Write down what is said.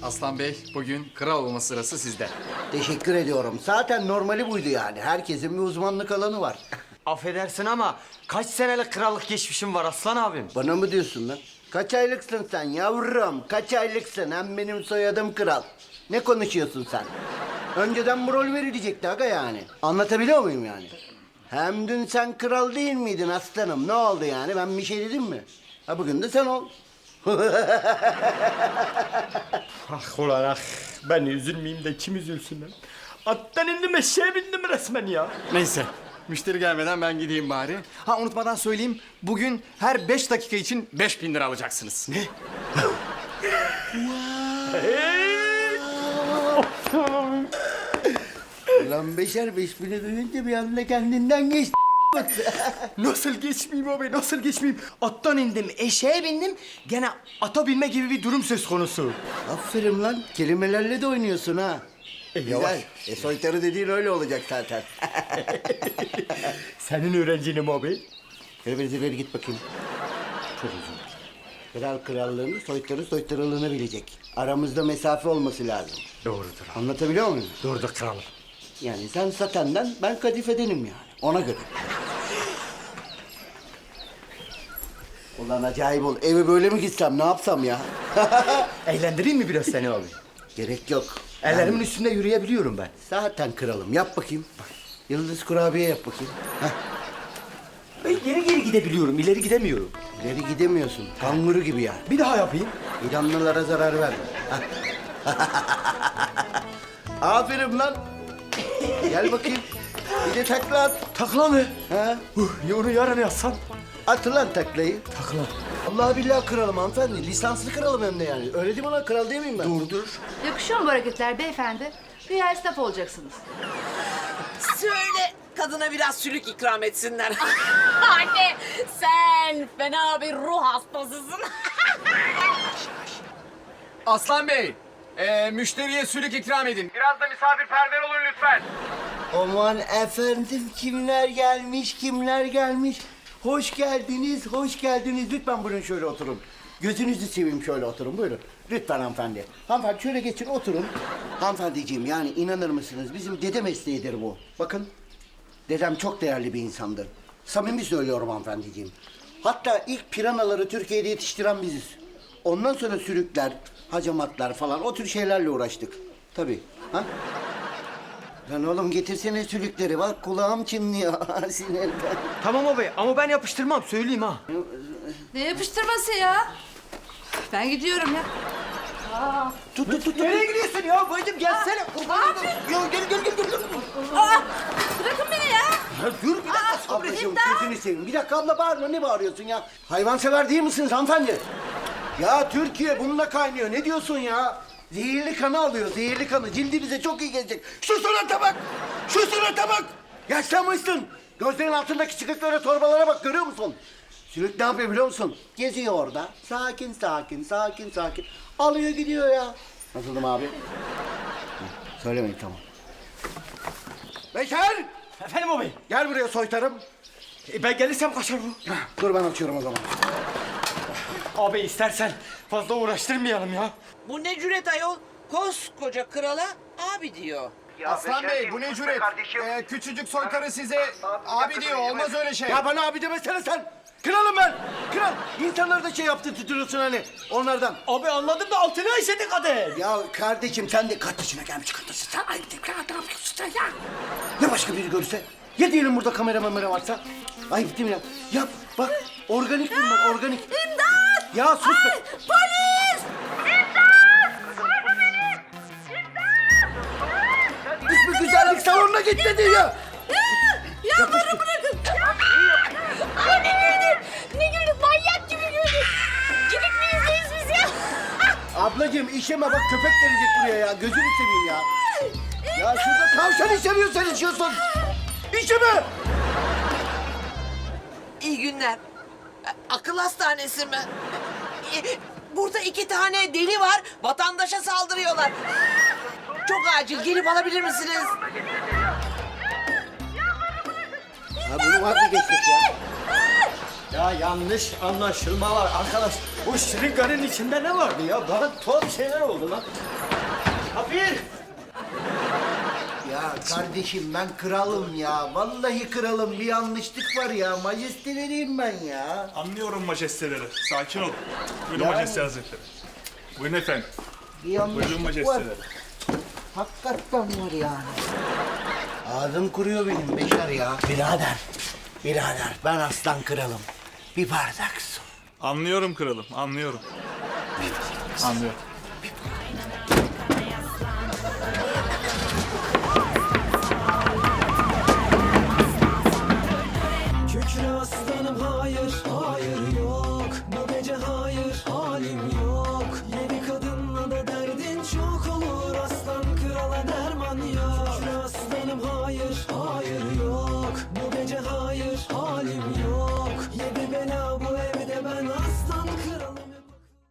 Aslan Bey, bugün kral olma sırası sizde. Teşekkür ediyorum. Zaten normali buydu yani. Herkesin bir uzmanlık alanı var. Affedersin ama kaç senelik krallık geçmişim var Aslan abim? Bana mı diyorsun lan? Kaç aylıksın sen yavrum? Kaç aylıksın? Hem benim soyadım kral. Ne konuşuyorsun sen? Önceden bu rol verilecekti aga yani. Anlatabiliyor muyum yani? Hem dün sen kral değil miydin aslanım? Ne oldu yani? Ben bir şey dedim mi? Ha bugün de sen ol. Ah ulan ah. Ben üzülmeyeyim de kim üzülsün lan? Attan indim eşeğe bindim resmen ya. Neyse, müşteri gelmeden ben gideyim bari. Ha unutmadan söyleyeyim, bugün her 5 dakika için 5.000 lira alacaksınız. Ne? Ulan beşer 5000'i duyunca bir anda kendinden geçti. Nasıl geçmeyeyim abi, nasıl geçmeyeyim? Attan indim, eşeğe bindim. Gene ata binme gibi bir durum söz konusu. Aferin lan. Kelimelerle de oynuyorsun ha. yavaş. Güzel. Soytarı dediğin öyle olacak zaten. Senin öğrencinim abi. Ileri git bakayım. Çok uzun. Kral krallığını, soytarı soytarılığını bilecek. Aramızda mesafe olması lazım. Doğrudur abi. Anlatabiliyor muyum? Doğrudur kralım. Yani sen satenden, ben kadifedenim yani. Ona göre. Ulan acayip ol. Eve böyle mi gitsem, ne yapsam ya? Eğlendireyim mi biraz seni abi? Gerek yok. Ellerimin üstünde yürüyebiliyorum ben. Zaten kralım. Yap bakayım. Yıldız kurabiye yap bakayım. Heh. Ben geri geri gidebiliyorum, ileri gidemiyorum. İleri gidemiyorsun. Kanguru gibi yani. Bir daha yapayım. İranlılara zarar verme. Aferin lan. Gel bakayım. Bir de takla at. Takla mı? Ha? Ya onu yarın yazsan. At lan taklayı. Takla. Allah billahi kralım hanımefendi. Lisanslı kralım hem de yani. Öyle değil mi lan? Kral değil miyim ben? Dur. Yakışıyor mu bu hareketler beyefendi? Güya esnaf olacaksınız. Söyle kadına biraz sülük ikram etsinler. Anne sen fena bir ruh hastasısın. Aslan Bey, müşteriye sülük ikram edin. Biraz da misafirperver olun lütfen. Aman efendim kimler gelmiş, kimler gelmiş. Hoş geldiniz, hoş geldiniz. Lütfen buyurun şöyle oturun. Gözünüzü seveyim şöyle oturun buyurun. Lütfen hanımefendi. Hanımefendi şöyle geçin oturun. Hanımefendiciğim yani inanır mısınız bizim dede mesleğidir bu. Bakın dedem çok değerli bir insandır. Samimi söylüyorum hanımefendiciğim. Hatta ilk piranaları Türkiye'de yetiştiren biziz. Ondan sonra sülükler, hacamatlar falan o tür şeylerle uğraştık. Tabii. Ha? Lan oğlum getirsene sülükleri. Bak kulağım çınlıyor sinirden. Tamam abi ama ben yapıştırmam, söyleyeyim ha. Ne yapıştırması ya? Ben gidiyorum ya. Tut. Nereye gidiyorsun ya bacım, gelsene. Yo, gel. Bırakın beni ya. Ya dur bir dakika sabreciğim gözünü seveyim. Bir dakika abla bağırma ne bağırıyorsun ya? Hayvansever değil misiniz hanımefendi? Ya Türkiye bununla kaynıyor. Ne diyorsun ya? Zehirli kanı alıyor, zehirli kanı. Cildimize çok iyi gelecek. Şu surata bak! Şu surata bak! Yaşlanmışsın. Gözlerin altındaki çıkıklara, torbalara bak görüyor musun? Sülük ne yapıyor biliyor musun? Geziyor orada. Sakin. Alıyor gidiyor ya. Nasıldım abi? Söylemeyin tamam. Beşer! Efendim abi. Gel buraya soytarım. Ben gelirsem kaçar bu. Dur ben açıyorum o zaman. Abi istersen fazla uğraştırmayalım ya. Bu ne cüret ayol? Koskoca krala abi diyor. Aslan Bey, bu ne cüret? Küçücük soytarı size abi diyor, olmaz öyle şey. Ya bana abi demesene sen. Kralım ben. Kral. İnsanları da şey yaptı tutuyorsun hani onlardan. Abi anladım da altına işedik hadi. Ya kardeşim sen de kardeşine gelmiş kardeşim. Sen ayıp değil. Ne yapıyorsun sen ya? Ne başka biri görürse? Ya diyelim burada kamera varsa? Ayıp değil mi ya? Ya bak organik bunlar organik. İmdat! Ya sus be. Polis! Hiçbir güzellik salonuna git dedi ya. Ya bana bırakın. Ay ne güldün? Ne güldün? Manyak gibi güldün. Gidip mi izleyiz biz ya? Ablacığım işeme bak köpek gelecek buraya ya. Gözünü seveyim ya. Ya şurada tavşan işemiyor sen içiyorsun. İşeme. İyi günler. Akıl hastanesi mi? Burada 2 tane deli var. Vatandaşa saldırıyorlar. Çok acil gelip alabilir misiniz? Ya bunu vazgeçtik ya. Ya yanlış anlaşılma var arkadaş. Bu şırınganın içinde ne vardı ya? Bana tuhaf şeyler oldu lan. Kapir! Ya kardeşim ben kralım ya. Vallahi kralım, bir yanlışlık var ya. Majesteleriyim ben ya. Anlıyorum majesteleri. Sakin ol. Buyurun Yani- majeste hazretleri. Buyurun efendim. Bir Buyurun yanlışlık var. majesteleri. Hakikaten var yani. Ağzım kuruyor benim Beşer ya. Birader ben aslan kralım. Bir bardak su. Anlıyorum kralım, anlıyorum. Anlıyorum.